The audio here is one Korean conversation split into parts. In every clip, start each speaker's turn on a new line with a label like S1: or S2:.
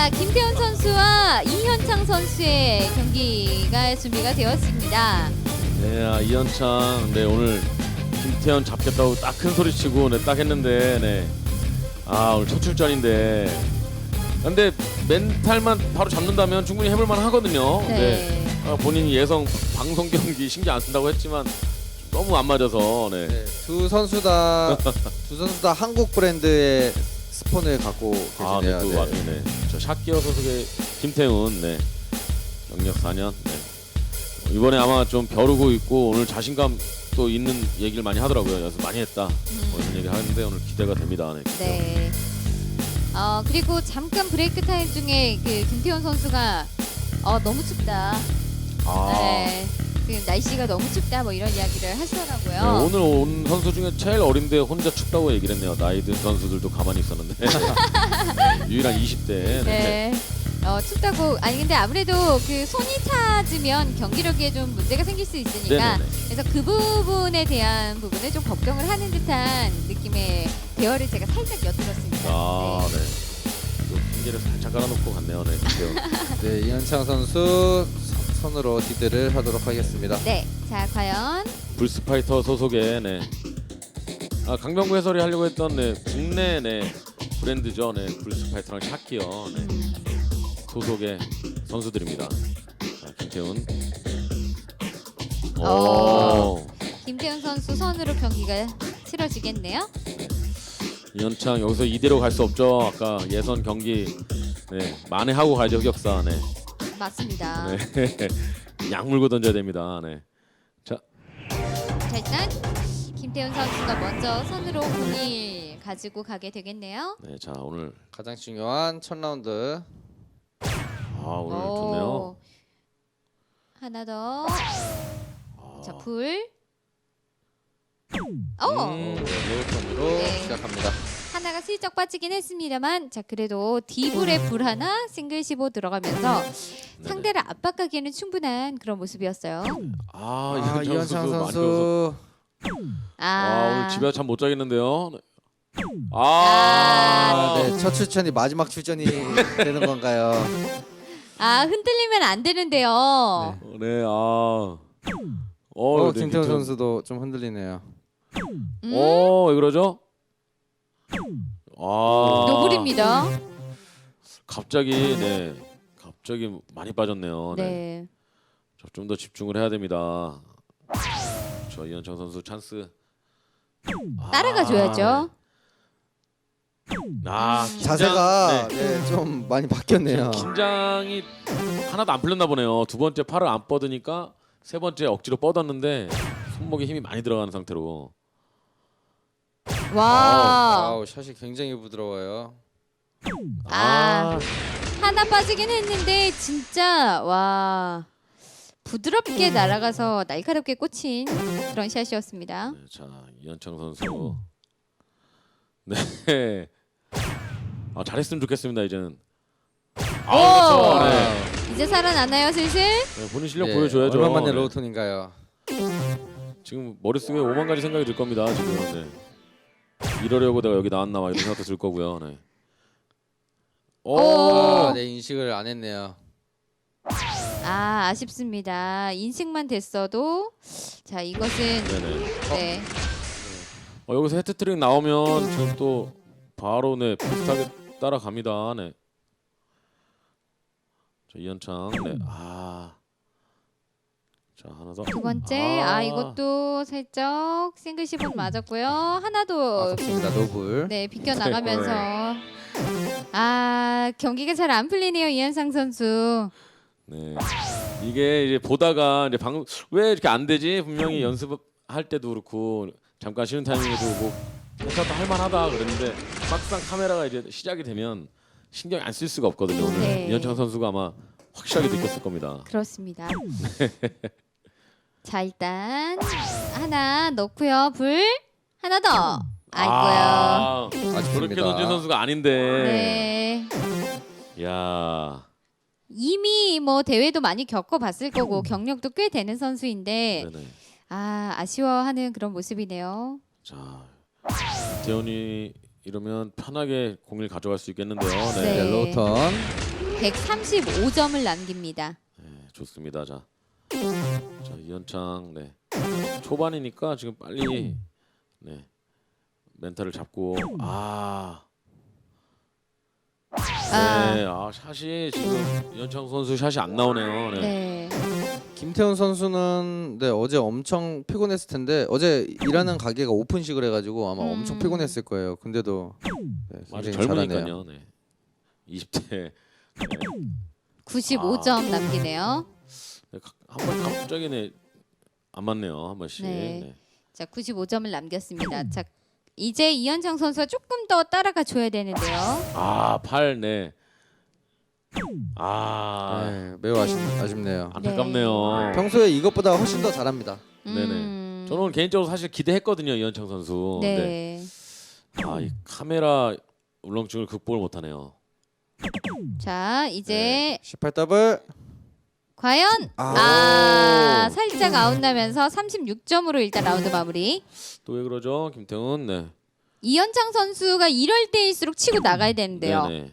S1: 자, 김태훈 선수와 이현창 선수의 경기가 준비가 되었습니다.
S2: 네, 이현창, 네 오늘 김태현 잡겠다고 딱 큰 소리 치고 네, 딱 했는데, 네, 오늘 첫 출전인데, 근데 멘탈만 바로 잡는다면 충분히 해볼만 하거든요.
S1: 네.
S2: 본인이 예성 방송 경기 신경 안 쓴다고 했지만 너무 안 맞아서, 네.
S3: 네, 두 선수 다 한국 브랜드의 스폰을 갖고
S2: 네,
S3: 계시네요.
S2: 또 와중에 네. 저 샷기어 소속의 김태훈, 네, 경력 4년. 네. 이번에 아마 좀 벼르고 있고 오늘 자신감 또 있는 얘기를 많이 하더라고요. 연습 많이 했다. 이런 얘기 하는데 오늘 기대가 됩니다. 네.
S1: 네. 그리고 잠깐 브레이크 타임 중에 그 김태훈 선수가 너무 춥다. 네. 그 날씨가 너무 춥다 뭐 이런 이야기를 하시더라고요.
S2: 네, 오늘 온 선수 중에 제일 어린데 혼자 춥다고 얘기를 했네요. 나이 든 선수들도 가만히 있었는데 유일한 20대. 네.
S1: 네. 춥다고. 아니 근데 아무래도 그 손이 차지면 경기력에 좀 문제가 생길 수 있으니까
S2: 네네네.
S1: 그래서 그 부분에 대한 부분을 좀 걱정을 하는 듯한 느낌의 대화를 제가 살짝 엿들었습니다.
S2: 네. 또 핑계를 살짝 깔아놓고 갔네요. 네.
S3: 네, 이현창 선수 손으로 디드를 하도록 하겠습니다.
S1: 네. 자, 과연
S2: 불스파이터 소속의 네. 강병구 해설이 하려고 했던 네, 국내 네, 브랜드죠. 네. 불스파이터랑 샤키어 네. 소속의 선수들입니다. 자, 김태훈.
S1: 김태훈 선수 선으로 경기가 치러지겠네요.
S2: 이현창 여기서 이대로 갈 수 없죠. 아까 예선 경기 네, 만회하고 가죠. 흑역사. 네.
S1: 맞습니다.
S2: 네. 약 물고 던져야 됩니다. 네. 자,
S1: 자, 일단 김태훈 선수가 먼저 선으로 공을 가지고 가게 되겠네요.
S2: 네, 자 오늘
S3: 가장 중요한 첫 라운드.
S2: 오늘 좋네요.
S1: 하나 더. 자, 불.
S3: 로우턴으로
S1: 네.
S3: 시작합니다.
S1: 하나가 슬쩍 빠지긴 했습니다만, 자 그래도 D불에 불 하나 싱글 15 들어가면서 상대를 압박하기에는 충분한 그런 모습이었어요.
S3: 이현창 선수.
S2: 오늘 집에 참 못 자겠는데요. 네.
S3: 네, 첫 출전이 마지막 출전이 되는 건가요?
S1: 흔들리면 안 되는데요.
S2: 네, 네,
S3: 김태훈 선수도 좀 흔들리네요.
S2: 왜 그러죠?
S1: 노블입니다.
S2: 갑자기 많이 빠졌네요.
S1: 네.
S2: 좀 더 집중을 해야 됩니다. 저 이현창 선수 찬스.
S1: 따라가줘야죠.
S3: 자세가
S2: 네.
S3: 좀 많이 바뀌었네요.
S2: 긴장이 하나도 안 풀렸나 보네요. 두 번째 팔을 안 뻗으니까 세 번째 억지로 뻗었는데 손목에 힘이 많이 들어가는 상태로.
S1: 와.
S3: 샷이 굉장히 부드러워요.
S1: 하나 빠지긴 했는데 진짜 와 부드럽게 날아가서 날카롭게 꽂힌 그런 샷이었습니다.
S2: 네, 자 이현창 선수. 네. 잘했으면 좋겠습니다 이제는. 그렇죠. 네.
S1: 이제 살아나나요 슬슬?
S2: 네, 본인 실력 보여줘야죠.
S3: 얼마만에
S2: 네.
S3: 로우턴인가요?
S2: 지금 머릿속에 5만 가지 생각이 들 겁니다. 지금. 네. 이러려고 내가 여기 나왔나 막 이런 생각도 들 거고요. 네.
S3: 네, 인식을 안 했네요.
S1: 아쉽습니다. 인식만 됐어도 자 이것은
S2: 네네.
S1: 네.
S2: 여기서 헤트트릭 나오면 지금 또 바로 네 비슷하게 따라갑니다. 네. 자 이현창. 네. 자 하나 더.
S1: 두 번째 이것도 살짝 싱글 10은 맞았고요. 하나도
S3: 아깝습니다. 노블.
S1: 네 비껴 나가면서 경기가 잘 안 풀리네요 이현상 선수.
S2: 네. 이게 이제 보다가 이제 왜 이렇게 안 되지? 분명히 연습할 때도 그렇고 잠깐 쉬는 타이밍에도 뭐 괜찮다 할만하다 그랬는데 막상 카메라가 이제 시작이 되면 신경 안 쓸 수가 없거든요. 오늘
S1: 네.
S2: 이현창 선수가 아마 확실하게 느꼈을 겁니다.
S1: 그렇습니다. 자 일단 하나 넣고요. 불 하나 더. 아이고요.
S2: 저렇게
S3: 아쉽습니다.
S2: 던진 선수가 아닌데.
S1: 네.
S2: 야.
S1: 이미 뭐 대회도 많이 겪어봤을 거고 경력도 꽤 되는 선수인데
S2: 네네.
S1: 아쉬워하는 그런 모습이네요.
S2: 자 대현이 이러면 편하게 공을 가져갈 수 있겠는데요. 네.
S1: 네.
S3: 네, 로우턴.
S1: 135점을 남깁니다.
S2: 네, 좋습니다. 자 이현창 네 초반이니까 지금 빨리 네 멘탈을 잡고 네, 샷이 지금 이현창 선수 샷이 안 나오네요. 네.
S1: 네.
S3: 김태훈 선수는 네, 어제 엄청 피곤했을 텐데 어제 일하는 가게가 오픈식을 해가지고 아마 엄청 피곤했을 거예요. 근데도 네,
S2: 아주
S3: 굉장히 잘하네요.
S2: 젊으니까요. 네. 20대
S1: 95점 남기네요.
S2: 네, 한번 갑자기 안 맞네요. 한 번씩.
S1: 네.
S2: 네.
S1: 자, 95점을 남겼습니다. 자, 이제 이현창 선수가 조금 더 따라가 줘야 되는데요.
S2: 8 네.
S3: 네, 매우 아쉽네요.
S2: 안타깝네요.
S3: 평소에 이것보다 훨씬 더 잘합니다.
S2: 네네. 저는 오늘 개인적으로 사실 기대했거든요, 이현창 선수.
S1: 네.
S2: 이 카메라 울렁증을 극복을 못하네요.
S1: 자, 이제
S3: 18 더블.
S1: 과연 살짝 아웃나면서 36점으로 일단 라운드 마무리.
S2: 또 왜 그러죠, 김태훈? 네.
S1: 이현창 선수가 이럴 때일수록 치고 나가야 되는데요.
S2: 네네.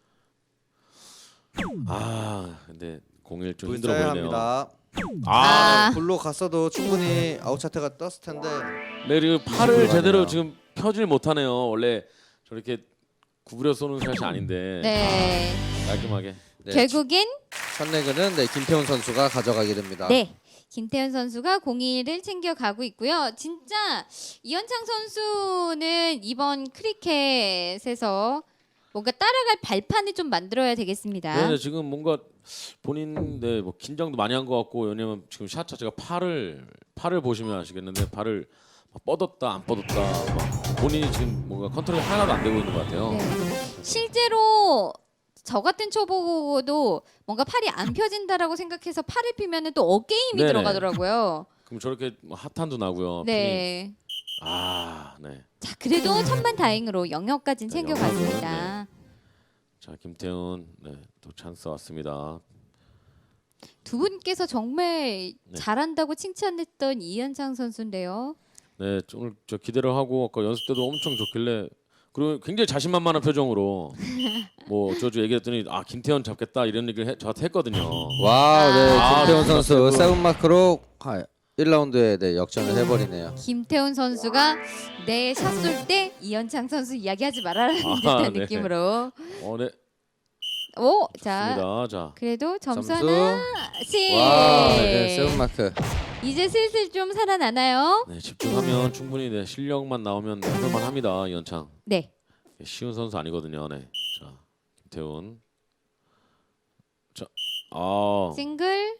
S2: 근데 01 좀 힘들어 보이네요.
S3: 불사합니다.
S1: 아.
S3: 볼로 갔어도 충분히 아웃 차트가 떴을 텐데.
S2: 네, 그리고 팔을
S3: 가네요.
S2: 제대로 지금 펴질 못하네요. 원래 저렇게 구부려 쏘는 샷이 아닌데.
S1: 네.
S2: 깔끔하게.
S3: 네,
S1: 결국엔
S3: 첫 레그는 네, 김태훈 선수가 가져가게 됩니다.
S1: 네. 김태현 선수가 01을 챙겨가고 있고요. 진짜 이현창 선수는 이번 크리켓에서 뭔가 따라갈 발판을 좀 만들어야 되겠습니다.
S2: 네, 지금 뭔가 본인 뭐 긴장도 많이 한 것 같고 왜냐면 지금 샷 자체가 팔을 보시면 아시겠는데 팔을 막 뻗었다 안 뻗었다 막 본인이 지금 뭔가 컨트롤이 하나도 안 되고 있는 것 같아요.
S1: 네. 실제로 저 같은 초보도 뭔가 팔이 안 펴진다라고 생각해서 팔을 피면은 또 어깨 힘이
S2: 네네.
S1: 들어가더라고요.
S2: 그럼 저렇게 뭐 핫한도 나고요.
S1: 네.
S2: 네.
S1: 자, 그래도 천만다행으로 영역까지는
S2: 네,
S1: 챙겨갔습니다.
S2: 자, 김태훈 또 찬스 왔습니다.
S1: 두 분께서 정말 잘한다고 칭찬했던 이현창 선수인데요.
S2: 네, 오늘 저 기대를 하고 아까 연습 때도 엄청 좋길래 그리고 굉장히 자신만만한 표정으로 뭐 저주 얘기했더니 김태현 잡겠다 이런 얘기를 저한테 했거든요.
S3: 와우, 네, 김태훈
S2: 진짜
S3: 선수
S2: 세고.
S3: 세븐 마크로 1라운드에 네, 역전을 해버리네요.
S1: 김태훈 선수가 내 샷 쏠 때 이현창 선수 이야기하지 말아라는 듯한
S2: 네.
S1: 느낌으로.
S2: 네.
S1: 오, 자,
S2: 좋습니다. 자,
S1: 그래도 점수
S3: 점수.
S1: 하나씩.
S3: 와, 네, 세븐 마크.
S1: 이제 슬슬 좀 살아나나요?
S2: 네, 집중하면 충분히 실력만 나오면 해볼만 합니다. 이현창.
S1: 네.
S2: 쉬운 선수 아니거든요. 네. 자, 김태훈. 자,
S1: 싱글.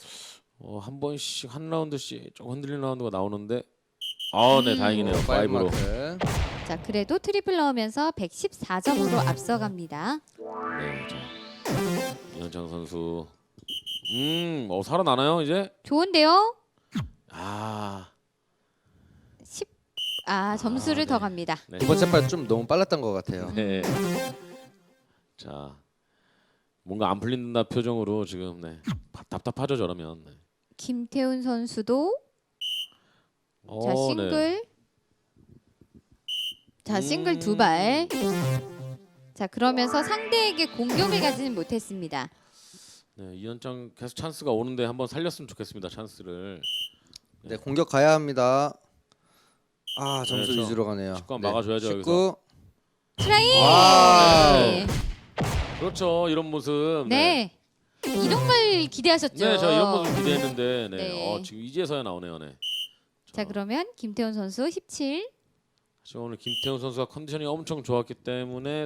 S2: 한 번씩 한 라운드씩 좀 흔들리는 라운드가 나오는데 네, 다행이네요. 5로.
S3: 마크.
S1: 자, 그래도 트리플 넣으면서 114점으로 앞서갑니다.
S2: 네, 자. 이현창 선수. 살아나나요, 이제?
S1: 좋은데요?
S2: 10.
S1: 점수를
S2: 네.
S1: 더 갑니다.
S2: 네.
S3: 두 번째 팔 좀 너무 빨랐던 것 같아요.
S2: 네. 자, 뭔가 안 풀린다 표정으로 지금 답답하죠, 저러면. 네.
S1: 김태훈 선수도 자, 싱글. 자, 싱글 두 발. 자, 그러면서 상대에게 공격을 가지는 못했습니다.
S2: 네, 이현창 계속 찬스가 오는데 한번 살렸으면 좋겠습니다. 찬스를.
S3: 네, 공격 가야 합니다. 점수
S2: 네,
S3: 위주로 가네요.
S2: 19 막아줘야죠,
S3: 19.
S1: 트라이.
S3: 와우.
S1: 네.
S2: 그렇죠, 이런 모습.
S1: 네. 이런 걸 기대하셨죠?
S2: 네, 저 이런 모습 기대했는데,
S1: 네.
S2: 지금 이제서야 나오네요, 네.
S1: 자, 그러면 김태훈 선수 17.
S2: 지금 오늘 김태훈 선수가 컨디션이 엄청 좋았기 때문에,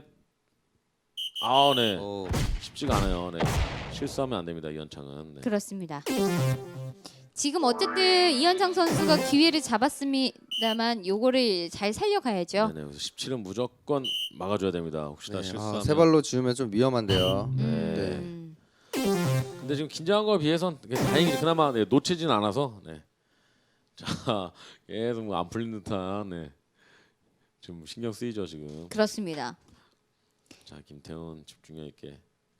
S2: 네,
S3: 오.
S2: 쉽지가 않아요, 네. 실수하면 안 됩니다, 이현창은. 네.
S1: 그렇습니다. 지금 어쨌든 이현창 선수가 기회를 잡았습니다만 요거를 잘 살려가야죠.
S2: 네, 그래서 17은 무조건 막아줘야 됩니다. 혹시나
S3: 네,
S2: 실수하면.
S3: 세 발로 지우면 좀 위험한데요.
S1: 음.
S2: 근데 지금 긴장한 거에 비해선 다행히 그나마 놓치진 않아서. 네. 자, 계속 안 풀린 듯한. 좀 신경 쓰이죠 지금.
S1: 그렇습니다.
S2: 자, 김태훈 집중력 있게.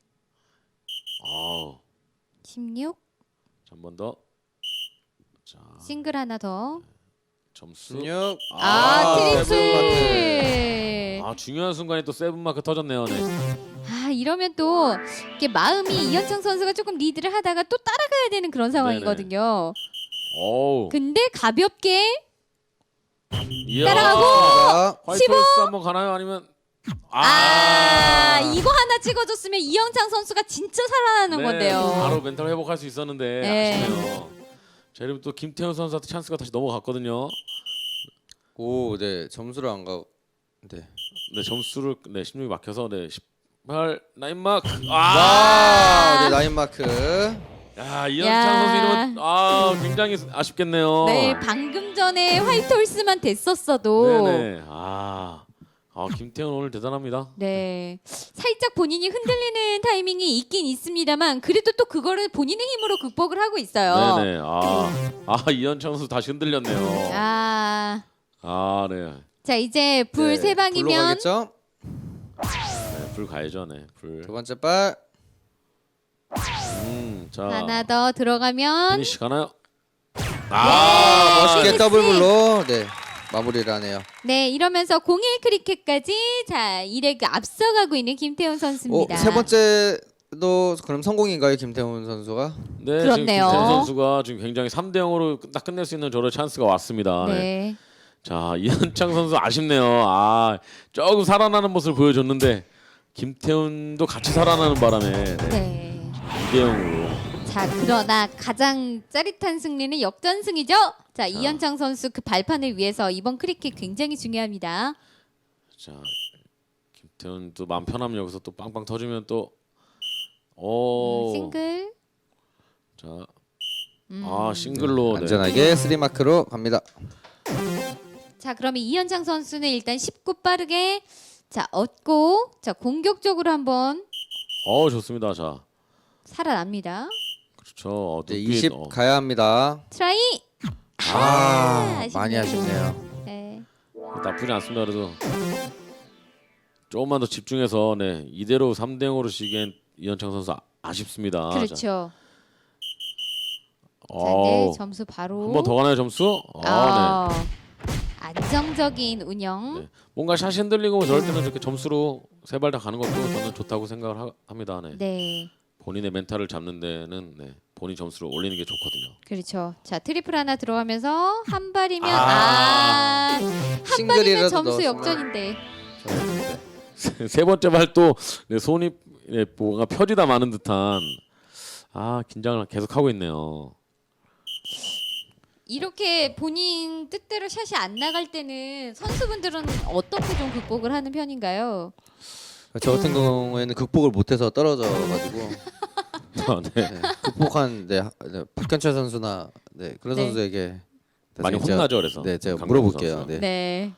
S1: 16.
S2: 한 번 더. 자,
S1: 싱글 하나 더.
S2: 점수.
S3: 16.
S1: 트리플.
S2: 중요한 순간에 또 세븐 마크 터졌네요. 네.
S1: 이러면 또 이게 마음이 이현창 선수가 조금 리드를 하다가 또 따라가야 되는 그런 상황이거든요.
S2: 어우.
S1: 근데 가볍게
S2: 이야.
S1: 따라가고
S3: 자,
S2: 화이트
S1: 15.
S2: 홀스 한번 가나요? 아니면
S1: 이거 하나 찍어줬으면 이현창 선수가 진짜 살아나는
S2: 네,
S1: 건데요.
S2: 바로 멘탈 회복할 수 있었는데
S1: 네.
S2: 아쉽네요. 자, 그리고 또 김태현 선수한테 찬스가 다시 넘어갔거든요.
S3: 오, 네 점수를 안 가. 네.
S2: 네, 점수를 16이 막혀서 18 나인 마크.
S3: 네 나인 마크.
S2: 야, 이현창 선수 이러면 굉장히 아쉽겠네요.
S1: 네, 방금 전에 화이트 홀스만 됐었어도
S2: 네네. 김태현 오늘 대단합니다.
S1: 네, 살짝 본인이 흔들리는 타이밍이 있긴 있습니다만 그래도 또 그거를 본인의 힘으로 극복을 하고 있어요.
S2: 네네. 이현창 선수 다시 흔들렸네요. 네.
S1: 자 이제 불 세
S3: 불로
S1: 방이면
S3: 가겠죠?
S2: 네, 불 가야죠. 네, 불.
S3: 두 번째 발.
S2: 자,
S1: 하나 더 들어가면
S2: 피니시 가나요?
S3: 멋있게
S1: 네.
S3: 더블 불로 네 마무리를 하네요.
S1: 네 이러면서 01 크리켓까지 자 1레그 앞서가고 있는 김태훈 선수입니다.
S3: 세 번째도 그럼 성공인가요, 김태훈 선수가?
S2: 네, 지금
S1: 그렇네요.
S2: 김태현 선수가 지금 굉장히 3대 0으로 딱 끝낼 수 있는 저런 찬스가 왔습니다. 네.
S1: 네.
S2: 자, 이현창 선수 아쉽네요. 조금 살아나는 모습을 보여줬는데 김태훈도 같이 살아나는 바람에
S1: 네.
S2: 2대 0으로.
S1: 자 그러나 가장 짜릿한 승리는 역전승이죠. 자 이현창 선수 그 발판을 위해서 이번 크리켓 굉장히 중요합니다.
S2: 자, 김태훈 또 마음 편하면 여기서 또 빵빵 터지면 또
S1: 싱글.
S2: 자, 싱글로. 네.
S3: 안전하게 3 마크로 갑니다.
S1: 자 그러면 이현창 선수는 일단 19 빠르게 자 얻고 자 공격적으로 한번
S2: 좋습니다. 자,
S1: 살아납니다.
S2: 그렇죠.
S3: 네,
S2: 눈빛,
S3: 20 가야 합니다.
S1: 트라이.
S3: 많이
S1: 아쉽네요.
S3: 아쉽네요.
S1: 네.
S2: 나쁘지 않습니다. 그래도 조금만 더 집중해서 이대로 3대 0으로 지기엔 이현창 선수 아쉽습니다.
S1: 그렇죠.
S2: 자,
S1: 자, 네, 점수 바로.
S2: 한 번 더 가나요, 점수?
S1: 안정적인 운영.
S2: 네. 뭔가 샷이 흔들리고 저럴 때는 이렇게 점수로 세 발 다 가는 것도 저는 좋다고 생각을 합니다. 네.
S1: 네.
S2: 본인의 멘탈을 잡는 데는 본인 점수를 올리는 게 좋거든요.
S1: 그렇죠. 자, 트리플 하나 들어가면서 한 발이면 한 발이면
S3: 싱글이라도
S1: 점수
S3: 넣었으면.
S1: 역전인데.
S2: 세 번째 발도 손이 뭐가 펴지다 마는 듯한 긴장을 계속 하고 있네요.
S1: 이렇게 본인 뜻대로 샷이 안 나갈 때는 선수분들은 어떻게 좀 극복을 하는 편인가요?
S3: 저 같은 경우에는 극복을 못해서 떨어져가지고
S2: 네.
S3: 극복한 박현철 선수나 그런
S1: 네.
S3: 선수에게
S2: 많이
S3: 나중에
S2: 혼나죠, 그래서.
S3: 네, 제가
S2: 강경호
S3: 물어볼게요.
S2: 선수.
S3: 네.
S1: 네.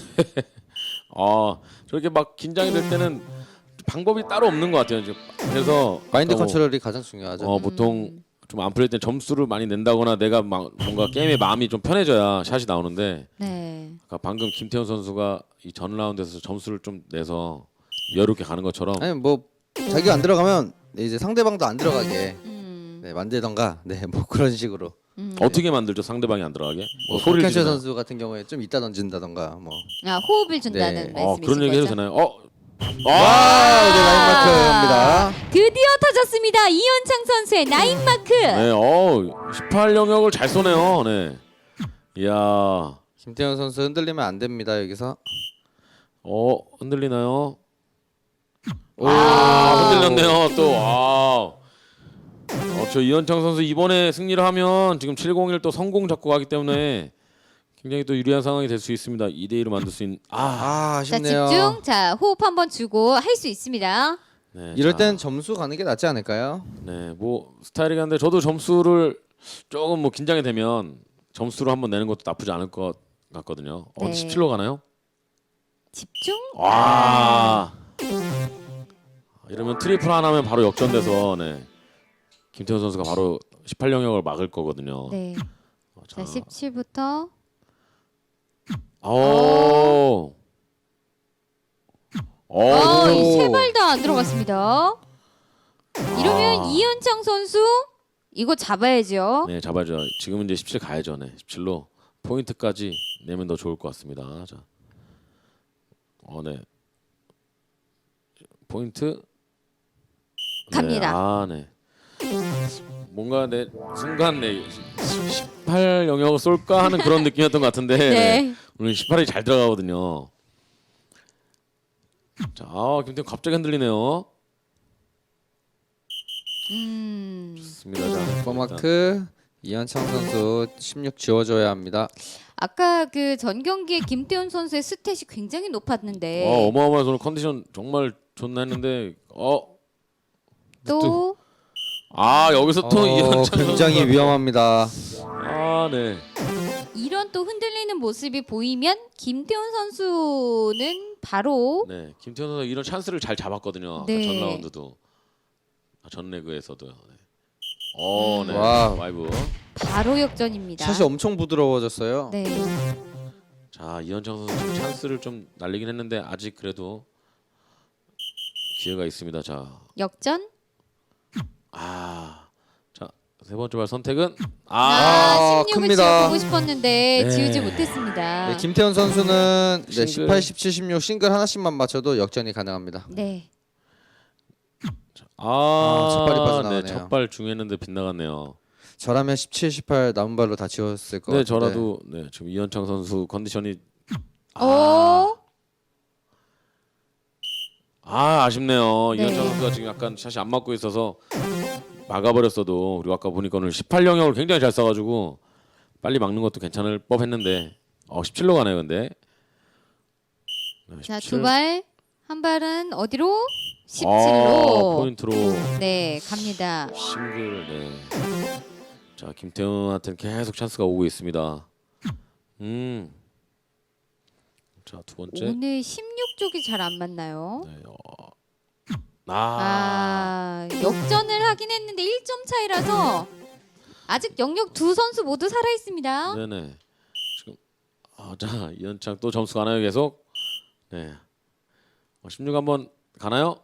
S2: 저렇게 막 긴장이 될 때는 방법이 따로 없는 것 같아요. 그래서
S3: 마인드
S2: 아까 뭐,
S3: 컨트롤이 가장 중요하죠.
S2: 보통 좀 안 풀릴 때 점수를 많이 낸다거나 내가 뭔가 게임의 마음이 좀 편해져야 샷이 나오는데
S1: 네.
S2: 아까 방금 김태훈 선수가 이 전 라운드에서 점수를 좀 내서 여유롭게 가는 것처럼
S3: 아니 뭐 자기가 안 들어가면 이제 상대방도 안 들어가게
S1: 음.
S3: 만들던가 뭐 그런 식으로.
S2: 어떻게 만들죠? 상대방이 안 들어가게? 소리를
S3: 박현철
S2: 지르나요?
S3: 선수 같은 경우에 좀 이따 던진다던가 뭐.
S1: 호흡을 준다는
S3: 네.
S1: 말씀이신
S2: 그런 얘기 해도
S1: 거죠?
S2: 되나요?
S3: 네, 라인마크입니다.
S1: 드디어 터졌습니다. 이현창 선수의 나인 마크.
S2: 네, 18 영역을 잘 쏘네요. 네. 이야.
S3: 김태현 선수 흔들리면 안 됩니다 여기서.
S2: 흔들리나요?
S3: 오.
S2: 흔들렸네요. 또. 저 이현창 선수 이번에 승리를 하면 지금 701 또 성공 잡고 가기 때문에 굉장히 또 유리한 상황이 될 수 있습니다. 2대 1로 만들 수 있는
S1: 자
S3: 아쉽네요.
S1: 집중. 자 호흡 한번 주고 할 수 있습니다.
S2: 네,
S3: 이럴
S2: 자,
S3: 땐 점수 가는 게 낫지 않을까요?
S2: 네, 뭐 스타일이긴 한데 저도 점수를 조금 뭐 긴장이 되면 점수로 한번 내는 것도 나쁘지 않을 것 같거든요.
S1: 네.
S2: 17로 가나요?
S1: 집중.
S2: 이러면 트리플 하나면 바로 역전돼서 김태훈 선수가 바로 18 영역을 막을 거거든요.
S1: 네. 자 17부터. 세 발 다 안 들어갔습니다. 이러면 이현창 선수 이거 잡아야죠.
S2: 네, 잡아죠. 지금은 이제 17 가야죠. 네, 17로 포인트까지 내면 더 좋을 것 같습니다. 자, 네. 포인트.
S1: 갑니다.
S2: 네. 아, 네. 뭔가 내 순간 내 18 영역을 쏠까 하는 그런 느낌이었던 것 같은데
S1: 네.
S2: 오늘 18이 잘 들어가거든요. 자, 김태형 갑자기 흔들리네요. 좋습니다. 자,
S3: 포마크 이현창 선수 16 지워줘야 합니다.
S1: 아까 그 전 경기에 김태훈 선수의 스탯이 굉장히 높았는데
S2: 어마어마해서 오늘 컨디션 정말 좋나 했는데
S1: 또
S2: 여기서 또 이현창
S3: 굉장히
S2: 선수가
S3: 위험합니다.
S2: 네.
S1: 이런 또 흔들리는 모습이 보이면 김태훈 선수는 바로
S2: 네, 김태현 선수 이런 찬스를 잘 잡았거든요. 아까
S1: 네.
S2: 전 라운드도, 전 레그에서도요. 네. 네.
S3: 와우.
S2: 와이브.
S1: 바로 역전입니다.
S3: 샷이 엄청 부드러워졌어요.
S1: 네.
S2: 자, 이현창 선수 지금 찬스를 좀 날리긴 했는데 아직 그래도 기회가 있습니다. 자,
S1: 역전.
S2: 자, 세 번째 발 선택은
S1: 16을
S3: 큽니다.
S1: 지어보고 싶었는데
S2: 네.
S1: 지우지 못했습니다.
S3: 네, 김태현 선수는 네,
S2: 싱글.
S3: 18, 17, 16 싱글 하나씩만 맞춰도 역전이 가능합니다.
S1: 네.
S3: 첫 발이 빠져나가네요.
S2: 네, 첫발 중요했는데 빗나갔네요.
S3: 저라면 17, 18 남은 발로 다 지웠을 것
S2: 네,
S3: 같은데.
S2: 저라도 네, 지금 이현창 선수 컨디션이
S1: 오.
S2: 아쉽네요.
S1: 네.
S2: 이현창 선수가 지금 약간 샷이 안 맞고 있어서 막아버렸어도 그리고 아까 보니까 오늘 18 영역을 굉장히 잘 쏴가지고 빨리 막는 것도 괜찮을 법했는데 17로 가네요. 근데 네,
S1: 자,
S2: 17.
S1: 두 발. 한 발은 어디로? 17로.
S2: 포인트로
S1: 네, 갑니다.
S2: 싱글. 네. 자, 김태훈한테는 계속 찬스가 오고 있습니다. 자, 두 번째.
S1: 오늘 16쪽이 잘 안 맞나요?
S2: 네,
S1: 역전을 하긴 했는데 1점 차이라서 아직 영역 두 선수 모두 살아 있습니다.
S2: 네네. 지금 자, 이현창 또 점수 가나요 계속? 네. 16 한번 가나요?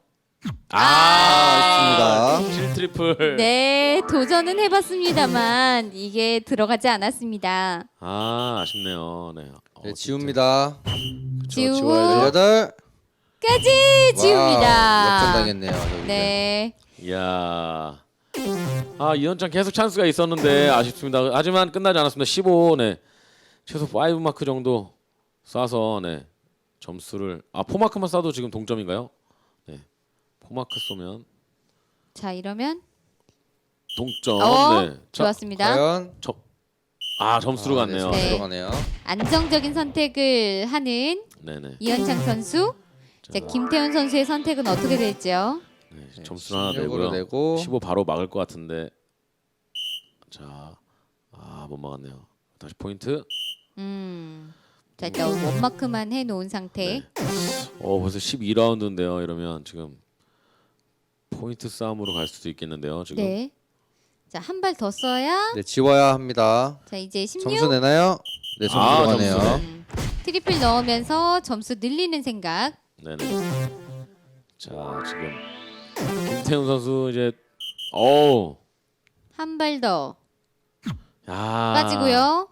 S3: 있습니다.
S2: 7 트리플.
S1: 네, 도전은 해봤습니다만 이게 들어가지 않았습니다.
S2: 아쉽네요. 네.
S3: 네, 지웁니다.
S1: 지우고
S2: 지워야죠.
S3: 18.
S1: 까지 지웁니다.
S3: 역전당했네요. 여기.
S1: 네,
S2: 이야. 이현창 계속 찬스가 있었는데 아쉽습니다. 하지만 끝나지 않았습니다. 15. 네. 최소 5 마크 정도 쏴서 네. 점수를 포마크만 쏴도 지금 동점인가요? 네. 포마크 쏘면
S1: 자 이러면
S2: 동점. 네. 자,
S1: 좋았습니다.
S3: 과연
S2: 점수로 갔네요.
S1: 네.
S3: 들어가네요.
S1: 안정적인 선택을 하는
S2: 네네.
S1: 이현창 선수. 자, 김태훈 선수의 선택은 어떻게 될지요?
S2: 네, 점수 하나
S3: 16으로
S2: 내고요.
S3: 내고
S2: 15 바로 막을 것 같은데. 자, 못 막았네요. 다시 포인트.
S1: 자, 일단 원마크만 해놓은 상태.
S2: 벌써 12라운드인데요. 이러면 지금 포인트 싸움으로 갈 수도 있겠는데요. 지금.
S1: 네. 자, 한 발 더 써야.
S3: 네, 지워야 합니다.
S1: 자, 이제 16.
S3: 점수 내나요? 네, 점수 들어가네요.
S2: 점수네.
S1: 트리플 넣으면서 점수 늘리는 생각.
S2: 네네. 자, 지금 김태훈 선수 이제
S1: 한 발 더
S2: 야.
S1: 빠지고요.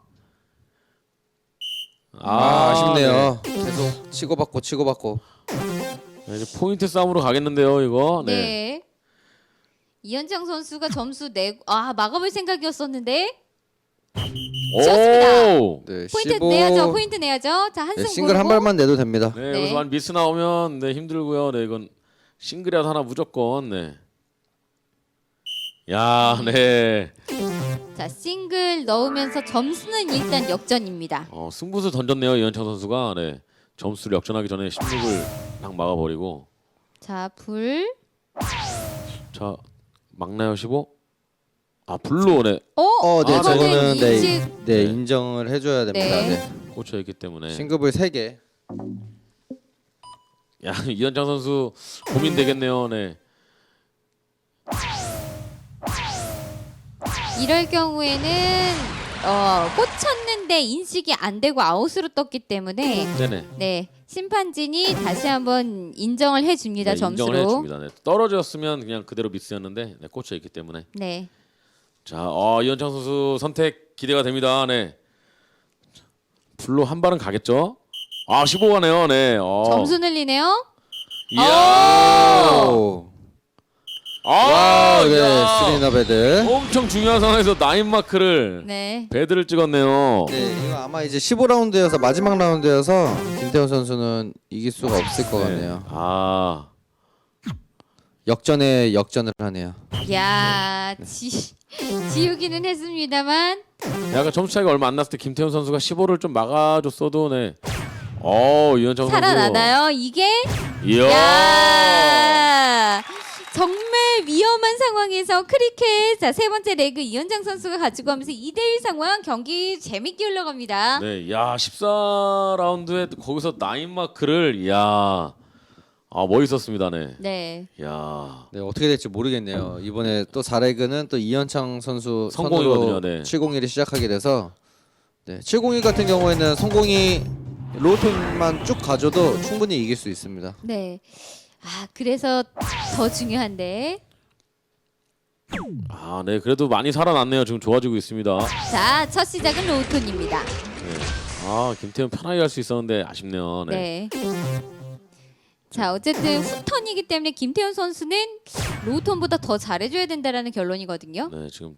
S3: 아쉽네요. 계속 치고받고.
S2: 네, 이제 포인트 싸움으로 가겠는데요, 이거.
S1: 네.
S2: 네.
S1: 이현창 선수가 점수 내고 막아볼 생각이었었는데
S2: 오!
S3: 네,
S1: 포인트
S3: 15.
S1: 내야죠. 포인트 내야죠. 자,
S3: 네,
S1: 한승
S3: 싱글 한 발만 내도 됩니다.
S2: 네,
S1: 네.
S2: 여기서 만 미스 나오면 힘들고요. 네, 이건 싱글이라도 하나 무조건. 네. 야, 네.
S1: 자, 싱글 넣으면서 점수는 일단 역전입니다.
S2: 승부수 던졌네요, 이현창 선수가. 네. 점수를 역전하기 전에 16을 딱 막아버리고.
S1: 자, 불.
S2: 자, 막나요, 15? 불로 네.
S3: 네,
S1: 이거는
S3: 저거는
S1: 인식.
S3: 네, 인정을 해줘야 됩니다.
S1: 네.
S3: 네.
S2: 꽂혀 있기 때문에.
S3: 싱글볼 3개.
S2: 야, 이현창 선수 고민되겠네요. 네.
S1: 이럴 경우에는 꽂혔는데 인식이 안 되고 아웃으로 떴기 때문에
S2: 네네.
S1: 네, 심판진이 다시 한번 인정을 해줍니다.
S2: 네,
S1: 점수로.
S2: 인정을 해줍니다. 네. 떨어졌으면 그냥 그대로 미스였는데 네, 꽂혀 있기 때문에.
S1: 네.
S2: 자, 이현창 선수 선택 기대가 됩니다. 네. 불로 한 발은 가겠죠? 15가네요. 네.
S1: 점수 늘리네요.
S2: 이야.
S3: 오. 와, 네,
S2: 야.
S3: 스리나 배드.
S2: 엄청 중요한 상황에서 나인 마크를
S1: 네.
S2: 배드를 찍었네요.
S3: 네, 이거 아마 이제 15라운드여서 마지막 라운드여서 김태훈 선수는 이길 수가 없을 것 같네요.
S2: 아,
S3: 역전에 역전을 하네요.
S1: 야, 지우기는 했습니다만
S2: 약간 점수 차이가 얼마 안 났을 때 김태훈 선수가 15를 좀 막아줬어도 네. 이현창 선수
S1: 살아나나요? 이게?
S2: 이야.
S1: 야! 정말 위험한 상황에서 크리켓 자, 세 번째 레그 이현장 선수가 가지고 가면서 2대1 상황 경기 재밌게 흘러갑니다.
S2: 네, 야 14라운드에 거기서 나인 마크를 야, 멋있었습니다, 네.
S1: 네.
S2: 야,
S3: 네, 어떻게 될지 모르겠네요. 이번에 또 4레그는 또 이현창 선수
S2: 성공이거든요,
S3: 선으로
S2: 네.
S3: 701이 시작하게 돼서 네, 701 같은 경우에는 성공이 로톤만 쭉 가져도 충분히 이길 수 있습니다.
S1: 네. 아, 그래서 더 중요한데.
S2: 네, 그래도 많이 살아났네요. 지금 좋아지고 있습니다.
S1: 자, 첫 시작은 로톤입니다.
S2: 네, 김태훈 편하게 할 수 있었는데 아쉽네요. 네.
S1: 네. 자, 어쨌든 후턴이기 때문에 김태현 선수는 로톤보다 더 잘해줘야 된다라는 결론이거든요.
S2: 네, 지금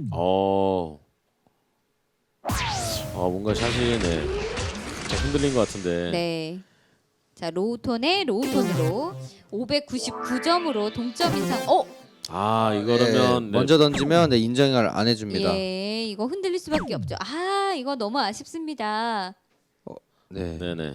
S2: 뭔가 샷이 네, 살짝 흔들린 것 같은데.
S1: 네. 자, 로톤에 로톤으로 599점으로 동점 인상.
S2: 이거라면
S3: 네, 먼저 던지면 네, 인정을 안 해줍니다.
S1: 예, 이거 흔들릴 수밖에 없죠. 아, 이거 너무 아쉽습니다.
S3: 네.
S2: 네네.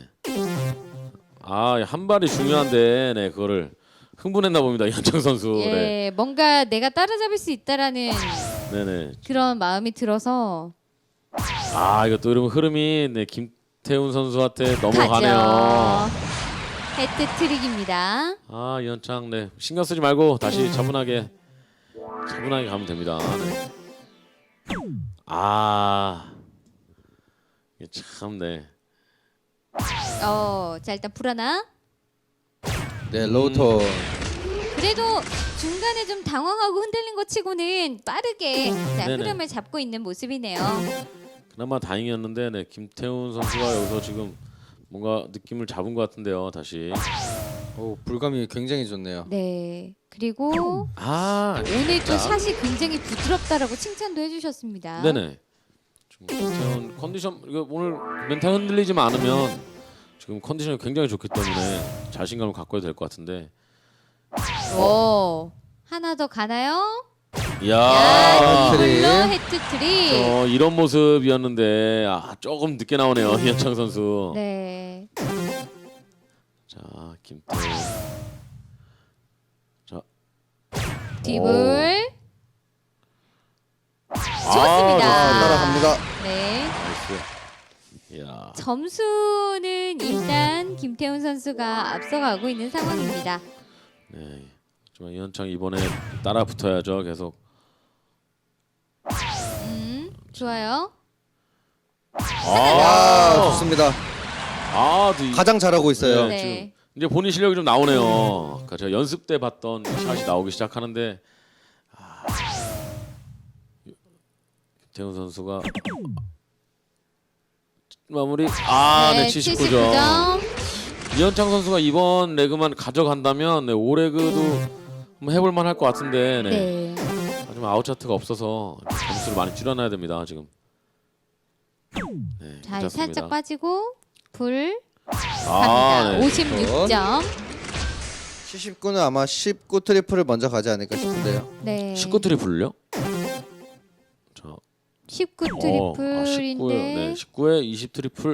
S2: 한 발이 중요한데, 네, 그거를 흥분했나 봅니다, 이현창 선수.
S1: 예,
S2: 네,
S1: 뭔가 내가 따라잡을 수 있다라는
S2: 네네.
S1: 그런 마음이 들어서
S2: 이거 또 이러면 흐름이 네, 김태훈 선수한테 넘어가네요.
S1: 가죠. 헤트트릭입니다.
S2: 이현창, 네, 신경 쓰지 말고 다시 차분하게 가면 됩니다. 네. 이게 참, 네.
S1: 자, 일단 불하나.
S3: 네, 로톤.
S1: 그래도 중간에 좀 당황하고 흔들린 것 치고는 빠르게 자,
S2: 네네.
S1: 흐름을 잡고 있는 모습이네요.
S2: 그나마 다행이었는데, 네, 김태훈 선수가 여기서 지금 뭔가 느낌을 잡은 것 같은데요, 다시.
S3: 오, 불감이 굉장히 좋네요.
S1: 네. 그리고 오늘 또
S3: 자.
S1: 샷이 굉장히 부드럽다라고 칭찬도 해주셨습니다.
S2: 네네. 지금 김태훈 컨디션 이거 오늘 멘탈 흔들리지만 않으면 지금 컨디션이 굉장히 좋기 때문에 자신감을 갖고야 될 것 같은데.
S1: 오, 하나 더 가나요?
S2: 이야.
S1: 야,
S3: 트릭.
S1: 이걸로 헤트트릭.
S2: 이런 모습이었는데 조금 늦게 나오네요, 이현창 선수.
S1: 네.
S2: 자, 김태훈. 자,
S1: 딥을. 좋습니다.
S3: 따라갑니다.
S1: 네.
S2: 나이스. 이야.
S1: 점수는 일단 김태훈 선수가 앞서가고 있는 상황입니다.
S2: 네. 하지만 이현창 이번에 따라 붙어야죠, 계속.
S1: 좋아요.
S3: 좋습니다. 가장 잘하고 있어요.
S2: 네,
S1: 네.
S2: 지금 이제 본인 실력이 좀 나오네요. 그러니까 제가 연습 때 봤던 샷이 나오기 시작하는데 김태훈 선수가 마무리. 네, 79점. 이현창 선수가 이번 레그만 가져간다면 네, 5레그도 한번 해볼 만할 것 같은데. 네.
S1: 네.
S2: 하지만 아웃 차트가 없어서 점수를 많이 줄여놔야 됩니다, 지금. 네,
S1: 자,
S2: 괜찮습니다.
S1: 살짝 빠지고 불 갑니다.
S2: 네.
S1: 56점.
S3: 79는 아마 19 트리플을 먼저 가지 않을까 싶은데요.
S1: 네.
S2: 19 트리플요? 자,
S1: 19
S2: 19예요.
S1: 트리플인데.
S2: 네, 19에 20 트리플.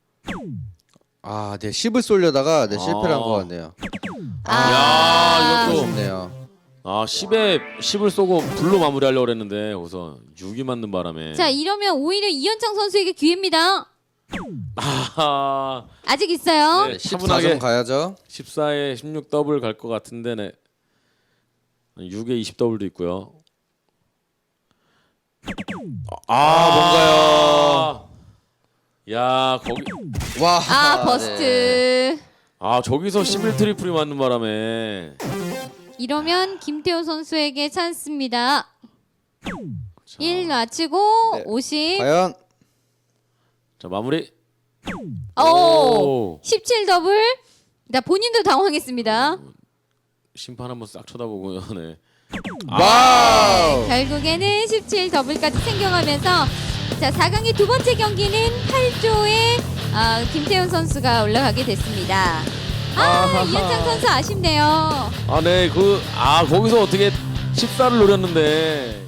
S3: 네, 10을 쏠려다가 네, 실패를 한 것 같네요.
S2: 야, 이것도
S3: 아쉽네요.
S2: 10을 쏘고 불로 마무리하려고 했는데 거기서 6이 맞는 바람에.
S1: 자, 이러면 오히려 이현창 선수에게 기회입니다. 아직 있어요.
S2: 네,
S3: 14점 가야죠.
S2: 14에 16 더블 갈 것 같은데 네. 6에 20 더블도 있고요.
S3: 뭔가요?
S2: 야, 거기
S1: 버스트.
S3: 네.
S2: 저기서 11 트리플이 맞는 바람에.
S1: 이러면 김태호 선수에게 찬스입니다.
S2: 자,
S1: 1 맞추고
S3: 네.
S1: 50.
S3: 과연
S2: 자, 마무리.
S1: 오! 17 더블. 나 본인도 당황했습니다.
S2: 심판 한번 싹 쳐다보고요. 네.
S3: 와우.
S1: 결국에는 17 더블까지 챙겨가면서 자 4강의 두 번째 경기는 8조의 김태훈 선수가 올라가게 됐습니다.
S3: 아하하.
S1: 이현창 선수 아쉽네요.
S2: 네, 거기서 어떻게 14를 노렸는데